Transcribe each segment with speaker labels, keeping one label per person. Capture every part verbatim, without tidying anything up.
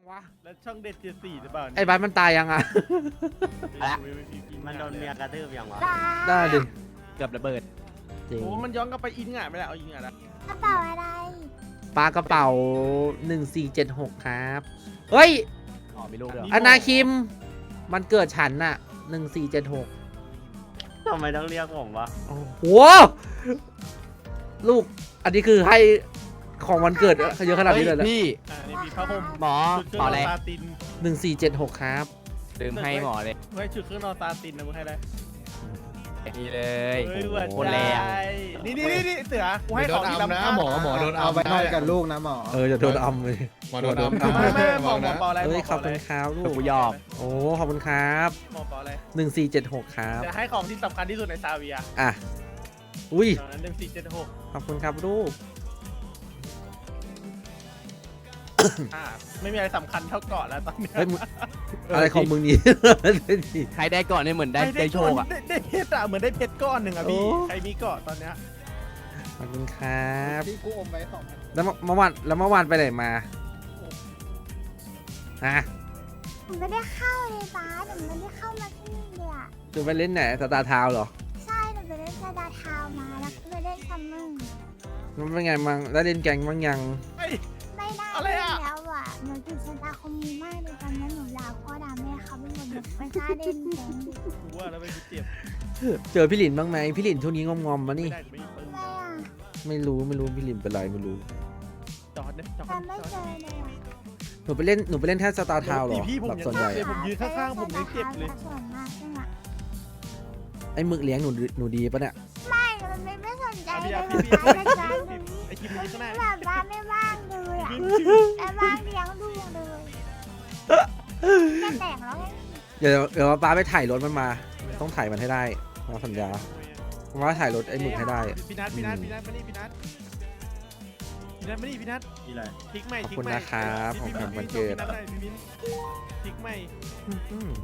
Speaker 1: วะแล้วช่องเด็ดเจ็ดสี่หรือเปล่า
Speaker 2: ไอ้บ้านมันตายยังอ่ะ
Speaker 3: มันโดนเมียกระทืบยังวะ
Speaker 2: ได้ดิ
Speaker 4: เกือบระเบิด
Speaker 2: จริง
Speaker 1: โอ้มันย้อนกลับไปอินง่ะไม่ได้เอาอินง่ะละ
Speaker 5: กระเป๋าอะไร
Speaker 2: ปลากระเป๋าหนึ่งสี่เจ็ดหกครับเฮ้ย
Speaker 4: อ๋อมีลูกด้วย
Speaker 2: อนาคิมมันเกิดฉันน่ะหนึ่งสี่เจ็ดหก
Speaker 3: ทำไมต้องเรียกผมวะ
Speaker 2: โอ้โหลูกอันนี้คือให้ของวันเกิดเยอะขนาดนี้เลยเหรอ
Speaker 4: พี่
Speaker 1: อ่านี่มีผ้าห่ม
Speaker 4: หมอ
Speaker 1: ชุดเค
Speaker 4: หม
Speaker 1: รื่
Speaker 4: อ
Speaker 1: องน
Speaker 4: อะไร
Speaker 1: อนซาติน
Speaker 2: หนึ่งสี่เจ็ดหกครับ
Speaker 4: ลืมให้หมอเลย
Speaker 1: ไว้ชุดเครื่องนอนซาตินนะมึงให้อะไร
Speaker 4: นี่เลย
Speaker 1: เฮ้ย
Speaker 4: โอ้
Speaker 1: หวัด
Speaker 4: โหแรง
Speaker 1: ใจนี่นี่นี่นี่เสือกูให้
Speaker 6: โด
Speaker 1: ของ
Speaker 6: น
Speaker 1: ที่
Speaker 6: อัม
Speaker 1: ล้ำ
Speaker 6: นะ
Speaker 1: ค่า
Speaker 6: หมอหมอโดนอั
Speaker 7: เอา
Speaker 6: ม
Speaker 7: ไปนอนกับลูกนะหมอ
Speaker 2: เออจะโดนอัมเลย
Speaker 6: หมอโดนอัมนะ
Speaker 1: ไม่ไม่หม
Speaker 6: ระ
Speaker 1: อ
Speaker 6: วัง
Speaker 1: หมอ
Speaker 6: นะ
Speaker 1: เปาอะไร
Speaker 2: เฮ้ย
Speaker 1: ห
Speaker 2: ข
Speaker 1: ม
Speaker 2: อบ
Speaker 1: เปา
Speaker 2: คุ
Speaker 1: อะไร
Speaker 2: ณครับลูก
Speaker 4: กูยอม
Speaker 2: โอ้ขอบคุณครับ
Speaker 1: หมอเปาอะไร
Speaker 2: หนึ่งสี่เจ็ดหกครับ
Speaker 1: จะให้ของที่สำคัญที่สุดในซาเวีย
Speaker 2: อ่ะอุ้ย
Speaker 1: ตอนนั้นหนึ่งสี่เจ็ดหก
Speaker 2: ขอบคุณครับลูก
Speaker 1: อ่าไม่มีอะไรสำคัญเท่าเกาะแล้วตอนเนี้ย
Speaker 2: เฮ้ยมึงอะไรของมึงนี่
Speaker 4: ใครได้ก่อนเนี่ยเหมือนได้ได้โชคอ่ะ
Speaker 1: ได้ได้เพชรอะเหมือนได้เพชรก้อนหนึ่งอะพี่
Speaker 2: โอ้
Speaker 1: ใครมีเกาะตอนเนี้ย
Speaker 2: ขอบคุณครับ
Speaker 7: ที่กูอมไว้สองพัน
Speaker 2: แล้วเมื่อวานแล้วเมื่อวานไปไหนมาฮะ
Speaker 5: หนูไม่ได้เข้าเลยป้าหนูไม่ได้เข้ามาที่นี่เลยอ่ะ
Speaker 2: จะไปเล่นไหนสตาร์ทาวน์เหรอ
Speaker 5: ใช่หนูไปเล่นซาดาทาวน์มาแล้วก็ไปเล่นซัมเมอร์
Speaker 2: มันเป็นไงมังแล้วเล่นแกงบ้างยัง
Speaker 1: เฮ้ย
Speaker 5: ไม่ได้
Speaker 1: อะไร
Speaker 5: เล่น
Speaker 1: อะ
Speaker 5: แล้วอ่ะหนูติดซาดาคอมมูมากเลยตอนนั้นหนูลาพ่อด่าแม่เขาไปหมดเลยไม่กล้าเล่นแกงดิ
Speaker 1: กูว่าแล้วไปกูเจ็บ
Speaker 2: เจอพี่หลินบ้างไหมพี่หลินช่วงนี้งอมๆมา
Speaker 1: ไม่
Speaker 2: นี่
Speaker 1: ได้ไม่มีปืน
Speaker 5: ไม่อ่ะ
Speaker 2: ไม่รู้ไม่รู้พี่หลินเป็นไรไม่รู้
Speaker 1: จอดเนี่ยจอด
Speaker 5: แต่ไม่
Speaker 1: จอ
Speaker 5: เจ
Speaker 1: ด
Speaker 5: อเลยอ่ะ
Speaker 2: หนูไปเล่นหนูไปเล่นแค่สตาร์ทาวน์เหรอ
Speaker 1: พี่ผม
Speaker 2: แบบ
Speaker 1: ยัง
Speaker 2: ส่วนใหญ่
Speaker 1: เจ็บ ผมยืนข้างๆผมยังเจ็บเลย
Speaker 5: ส่วนมากใช่ไหม
Speaker 2: ไอ้หมึกเลี้ยงหนูหนูดีปะเนี่ย
Speaker 5: ไม่มันไม่ไม่สนใจ
Speaker 1: อ่ะ
Speaker 5: เล
Speaker 1: พี่
Speaker 5: ย
Speaker 1: อ่ะ
Speaker 5: นะ
Speaker 1: พี่
Speaker 5: จ๊ะ
Speaker 1: พี่
Speaker 5: หนู
Speaker 1: ไอ้คิมมันอยู่ข้างหน้า
Speaker 5: แบบว่าไม่ว่างเลยอ่ะ
Speaker 1: คิมคิม
Speaker 5: แต่ว่างเลี้ยงดูเลยแค่แต่งแล้วไง
Speaker 2: เดี๋ยวเดี๋ยวป้าไปถ่ายรถมันมา ต้องถ่ายมันให้ได้มาสัญญาว่าถ่ายรถไอ้หมึกให้ได้
Speaker 1: พี่นัทพี่นัทพี่นัทมานี่พี่นัทพี่นัทมานี่พี่นัท
Speaker 3: นี่อะไร
Speaker 1: พลิกใหม่
Speaker 2: ขอบ
Speaker 1: พลิก
Speaker 2: คุณ
Speaker 1: ใหม่
Speaker 2: นะครับของขวัญวันเกิด
Speaker 1: พี่นัทได้พี่มิ้นพลิกใหม่
Speaker 2: อืม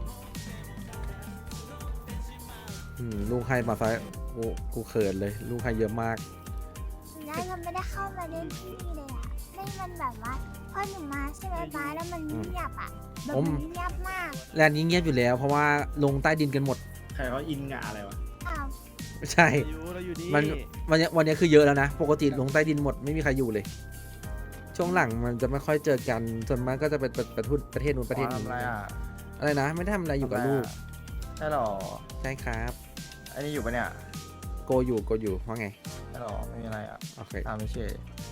Speaker 2: อืมลูกให้มาซะกูกูเขินเลย ลูกให้เยอะมาก
Speaker 5: แล้วเราไม่ได้เข้ามาเล่นที่นี่เลยอ่ะไม่มันแบบว่าพอหนูมาใช่ไหมป้าแล้วมันเงียบอ่ะแบบ
Speaker 2: ผม
Speaker 5: มันเงียบมาก
Speaker 2: แลนด์นี้เงียบอยู่แล้ว เพราะว่าลงใต้ดินกันหมด
Speaker 3: ใครเขาอินงะอะไรวะ
Speaker 5: อ้าว
Speaker 2: ใช่
Speaker 1: อยู่เราอยู่นี่
Speaker 2: มันวันนี้วันนี้คือเยอะแล้วนะ ปกติลงใต้ดินหมดไม่มีใครอยู่เลย ช่วงหลังมันจะไม่ค่อยเจอกัน ส่วนมากก็จะเป็นประประเทศประเทศนู้นประเทศนี้
Speaker 7: ทำอะไรอ่ะ
Speaker 2: อะไรนะ ไม่ได้ทำอะไรอยู่กับลูก
Speaker 7: ใช่หรอ
Speaker 2: ใช่ครับ
Speaker 7: อันนี้อยู่ปะเนี่ย
Speaker 2: โกอยู่โกอยู่ว่าไง
Speaker 7: ใช่หรอไม่มีอะไรอ่ะ
Speaker 2: โอเค
Speaker 7: ตามไม่เช่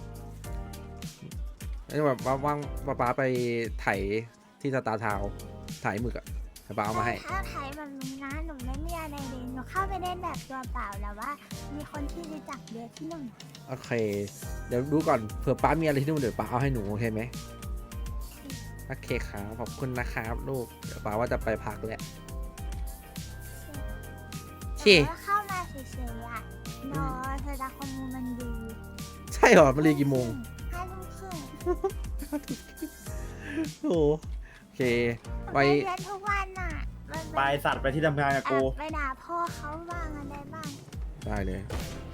Speaker 2: แล้วแบบว่าว่างป้าป๊าไปไถที่สตาร์ทาวน์ถ่ายหมึกอะให้ป้าเอามาให้
Speaker 5: ถ้าไทยแบบนี้นะหนูไม่มีอะไรเลยหนูเข้าไปเล่นแบบตัวเปล่าแล้วว่า มีคนที่รู้จักเยอะที่หนึ่ง
Speaker 2: โอเค เดี๋ยวดูก่อนเผื่อป้ามีอะไรที่นู่นเดี๋ยวป้าเอาให้หนูโอเคไหมโอเคครับขอบคุณนะครับลูกเดี๋ยวป้าว่าจะไปพักแหละเช่
Speaker 5: แต่ว่าเข้ามาเฉยๆอ่ะรอเธอดาคอมมูมันดี
Speaker 2: ใช่เหรอมันเรียนกี่โมง
Speaker 5: ห้าทุ่มครึ่ง
Speaker 2: โอ้โอเค ไป
Speaker 5: ไปเรียนทุกวันน่ะมัน
Speaker 3: ไปสัตว์ไปที่ทำงานกับกู
Speaker 5: ไปด่าพ่อเขาบ้างอะไรบ้าง
Speaker 2: ได้เลย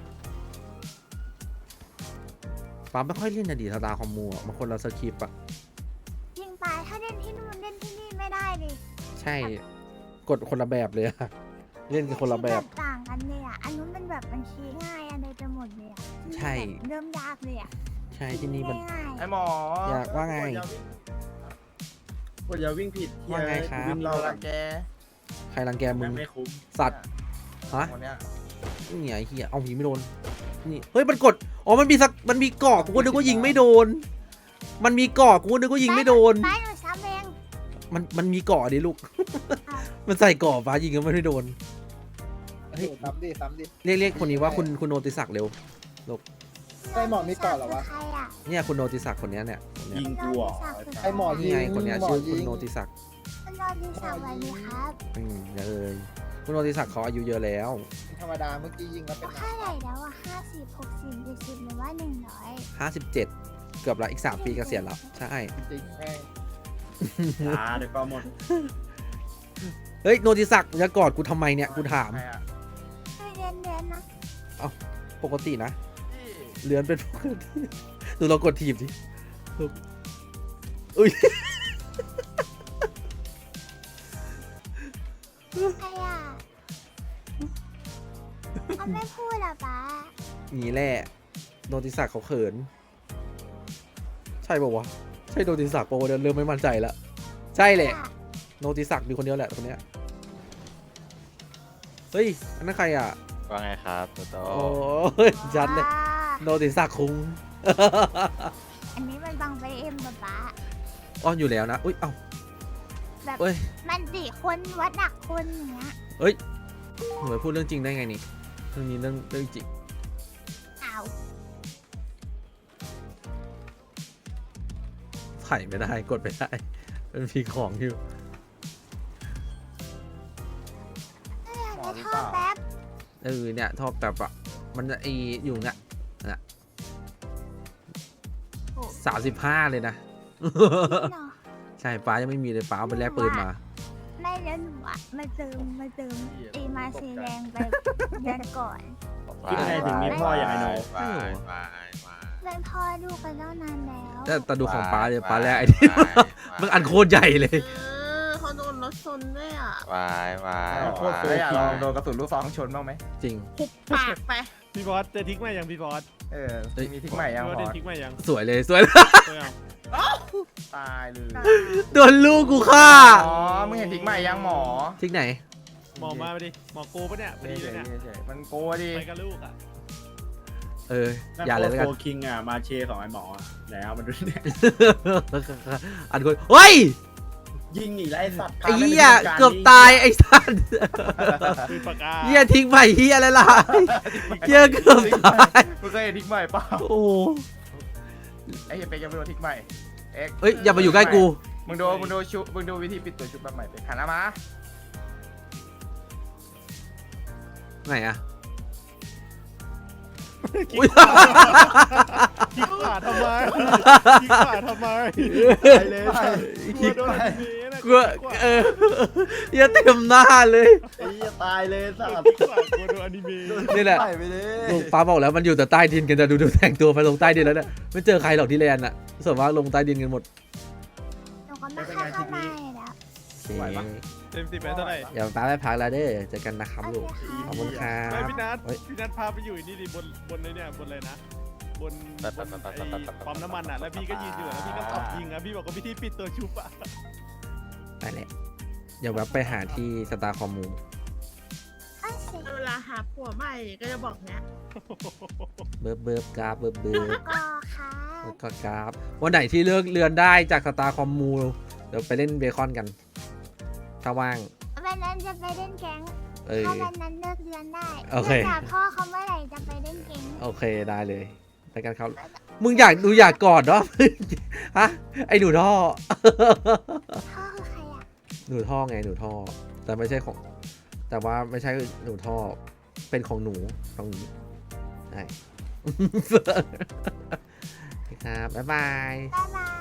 Speaker 2: ป้าไม่ค่อยเล่นอดีตสตาร์คอมมูอ่ะมันคนละสคริปต์อ่ะ
Speaker 5: ยิงไปถ้าเล่นที่นู่นเล่นที่นี่ไม่ได้ดิ
Speaker 2: ใช่กดคนละแบบเลยอะเล่นกันคนละแบบ
Speaker 5: ต่างกันเลยอ่ะอันนู้นมันแบบมันชี้ง่ายอะไรไปหมดเลยอ่ะ
Speaker 2: ใช่
Speaker 5: เริ่มยากเลยอ่ะ
Speaker 2: ใช่ที่นี่มัน
Speaker 5: ง่าย
Speaker 7: ไอหมอ
Speaker 2: อยากว่าไง
Speaker 3: กดอย่าวิ่งผิด
Speaker 2: ว่าไงครับ
Speaker 3: วิ่ง
Speaker 7: เรา
Speaker 3: เรา
Speaker 7: ละแก
Speaker 2: ใครรังแกมึง
Speaker 3: ไม่คุ้ม
Speaker 2: สัตว์ฮะ
Speaker 7: คนเนี้ย
Speaker 2: นี่ไงไอ้เฮียเอายิงไม่โดนนี่เฮ้ยมันกดอ๋อมันมีสักมันมีเกาะกูก็นึกว่ายิงไม่โดน มันมีเกาะกูก็นึกว่ายิงไม่โดน
Speaker 5: ไปหนูซ้ำเอง
Speaker 2: มันมันมีเกาะดิลูก มันใส่เกาะฟ้ายิงก็ไม่โดน เฮ้ย
Speaker 7: ซ้ำดิซ้ำดิ
Speaker 2: เรียกเรียกคนนี้ว่าคุณคุณโนติศักดิ์เร็ว
Speaker 7: ไอหมอมีก่อนเหรอวะ
Speaker 5: ใครอ่ะ
Speaker 2: เนี่ยคุณโนติศักดิ์คนเนี้ยเนี่ยคนเนี้ย
Speaker 3: ยิงกูเหรอ
Speaker 7: ไอหมอยิ
Speaker 2: นี่
Speaker 7: ง
Speaker 2: ไงคนเนี้ย
Speaker 7: หมอ
Speaker 2: ชื่อคุณ
Speaker 7: ยิง
Speaker 2: โนติศักดิ์
Speaker 5: คุณรอดีสวัสดีครับ
Speaker 2: อืมอย่าเลยคุณโนติศักดิ์เขาอายุเยอะแล้ว
Speaker 7: ธรรมดาเมื่อกี้ยิงแล้วเป็น
Speaker 5: ค่าไหนแล้วอ่ะห้าสิบหกสิบเจ็ดสิบหรือว่าหนึ่งร้อย
Speaker 2: ห้าสิบเจ็ดเกือบละอีกสามปีเกษียณแล้วใช่
Speaker 7: จริงแม่ง
Speaker 3: อ่าเดี๋ยวก็หมด
Speaker 2: เฮ้ยโนติศักดิ์จะกอดกูทำไมเนี่ยกูถาม
Speaker 7: ใครอะ
Speaker 5: ให้เรียนเรียนนะ
Speaker 2: ปกตินะเลือนเป็นปกติดูเรากดทีบดิอุ้ย
Speaker 5: ใครอ่ะเขาไม่พูดเหรอป้า
Speaker 2: นี่แหละโนติศักดิ์เขาเขิน ใช่ป่าวะ ใช่โนติศักดิ์ป่าวะเนี่ยเริ่มไม่มั่นใจละใช่แหละโนติศักดิ์มีคนเดียวแหละคนเนี้ยเฮ้ยอันนั้นใครอ่ะ
Speaker 6: ว่าไงครับโตโต
Speaker 2: โอ้ยชัดเลย
Speaker 5: ว้า
Speaker 2: โนติศักดิ์คุง
Speaker 5: อันนี้มันบังไปเอ็มป้าป้า
Speaker 2: อ้อนอยู่แล้วนะอุ้ยเอ้า
Speaker 5: แบบ
Speaker 2: เอ้ย
Speaker 5: มันสี่คนวัดหนักคนอย่างเงี้ย
Speaker 2: เอ้ยหนูไปพูดเรื่องจริงได้ไงนี่เรื่องนี้เรื่องเรื่องจริง
Speaker 5: อ้าว
Speaker 2: ถ่ายไม่ได้กดไม่ได้มันมีของอยู่
Speaker 5: เอ้ยไม่ชอบแป๊บ
Speaker 2: เออเนี่ยทอบแบบอ่ะมันจะไออยู่เนี่ยน่ะ
Speaker 5: โอ้
Speaker 2: สามสิบห้าเลยนะ
Speaker 5: เนาะ
Speaker 2: ใช่ป้ายังไม่มีเลยป้าเอาไปแลกปืนมา
Speaker 5: ไม่แล้วหนูอะมาเติมมาเติมไอมาเซแรงไปเดือนก่อน
Speaker 3: คิดไงถึงมีพ่ออย่างไอ้หนู
Speaker 6: วายวายวาย
Speaker 5: เป็นพ่อลูกกันตั้งนานแล้ว
Speaker 2: แต่แต่ดูของป้าเลยป้าแลกไอ้นี่ มันอันโคตรใหญ่เลย
Speaker 8: เออเขาโดนรถชนด้วยอ่ะ
Speaker 6: วายวาย
Speaker 7: โคตรสวยอะลองโดนกระสุนลูกซองชนบ้างไหม
Speaker 2: จริง
Speaker 8: หุบปากไป
Speaker 1: พี่บอสเจะทิ้งมายังพี่บอส
Speaker 7: เออ
Speaker 2: เอ้ย
Speaker 7: มีทิ้งใหม่ยัง
Speaker 1: พี่บอส
Speaker 7: หม
Speaker 1: ได้
Speaker 7: อ
Speaker 1: ทิ้งมายัง
Speaker 2: สวยเลยสวยเลย
Speaker 1: เออ
Speaker 7: ตายเลย
Speaker 2: โดนลูกกูฆ่า
Speaker 7: อ๋อมึงเห็นทิ้งใหม่ยังหมอ
Speaker 2: ทิ้งไหน
Speaker 1: หมอมาไปดิหมอโกปะเนี่ยพอดีเลยเนี่ย
Speaker 7: เฉยๆมันโกดิ
Speaker 1: ไปกับลูกอ่ะ
Speaker 2: เอออย่าเลยแล้วกัน
Speaker 3: โฟคิงอ่ะมาเชของไอ้หมอไหนเอามาดูเนี่ย
Speaker 2: อันคนเฮ้ย
Speaker 3: ยิงอีกแล้วไอ้สัตว์
Speaker 2: ไอ้เหี้ยเกือบตายไอ้สัส
Speaker 1: ปืนปากกา
Speaker 2: เหี้ยทิ้งไปเหี้ยอะไรล่ะเหี้ยเกือบตาย
Speaker 7: มึงเคยเห็นทิ้งใหม่เปล่า
Speaker 2: โอ้โห
Speaker 7: ไอ้เหี้ยเป็กยังไม่โดนทิ้งใหม่เอ็กซ์
Speaker 2: เอ้ยอย่ามาอยู่ใกล้กู
Speaker 7: มึงดูมึงดูชุบมึงดูวิธีปิดตัวชุบแบบใหม่เป็กหันหน้ามา
Speaker 2: ไหนอะ
Speaker 1: คิกขาทำไมคิกขาทำไม
Speaker 7: ไปเลยไป
Speaker 1: คิกโดนอนิเมะนะ
Speaker 2: กูเออเหี้ยเต็มหน้าเลย
Speaker 7: ไอ้เหี้ยตายเลยสัตว์
Speaker 1: คิกขากลัวโดนอนิเมะ
Speaker 2: นี่แหละ
Speaker 7: ไปไปเลย
Speaker 2: ลูกป้าบอกแล้วมันอยู่แต่ใต้ดินกันแต่ดูดูแต่งตัวไปลงใต้ดินแล้วเนี่ยไม่เจอใครหรอกที่แลนด์อะส่วนมากลงใต้ดินกันหมด
Speaker 5: หนูก็ไม่ค่อยเข้ามาเลยแล้ว
Speaker 2: โอเค
Speaker 1: เต็มสิบไปเท่าไหร่
Speaker 2: เดี๋ยวป้าไปพักแล้วเด้อเจอกันนะครับ
Speaker 5: โอ
Speaker 2: ลูก
Speaker 5: เคค่ะ
Speaker 2: ขอบคุณครั
Speaker 1: ไม่
Speaker 2: บ
Speaker 1: พี่นัท
Speaker 2: เฮ้ย
Speaker 1: พี่นัทพาไปอยู่นี่ดิบนบนเลยเนี่ยบนเลยนะบนบนไอ้ปั๊มน้ำมันอ่ะแล้วพี่ก็ยืนอยู่แล้วพี่ก็ตอบยิงอ่ะพี่บอกว่าวิธีปิดตัวชุบอ่ะ
Speaker 2: ไปแหละเดี๋ยวแวะไปหาที่สตาร์คอมมู
Speaker 5: อ้าวสิ
Speaker 8: เวลาหาผัวใหม่ก็จะบอกเนี้ย
Speaker 2: เบิร์บเบิร์บกราฟเบิร์บเบิร์บ
Speaker 5: ก็ค่ะ
Speaker 2: แล้วก็กราฟวันไหนที่เลือกเรือนได้จากสตาร์คอมมูเดี๋ยวไปเล่นเบคอนกัน ถ้าว่าง
Speaker 5: วันนั้นจะไปเล่นแก๊ง
Speaker 2: เออ
Speaker 5: ถ้าวันนั้นเลิกเรียนได้
Speaker 2: โอเค
Speaker 5: ถามพ่อเขาเมื่อไหร่จะไปเล่นแก๊ง
Speaker 2: โอเคได้เลยไปกันครับมึงอยากดูอยากกอดเนาะ ฮะไอหนูท่อ
Speaker 5: พ่อคือใครอ่ะ
Speaker 2: หนูท่อไงหนูท่อ แต่ไม่ใช่ของ แต่ว่าไม่ใช่หนูท่อ เป็นของหนูตรงนี้ใช่ ครับบ๊ายบาย
Speaker 5: บ๊ายบาย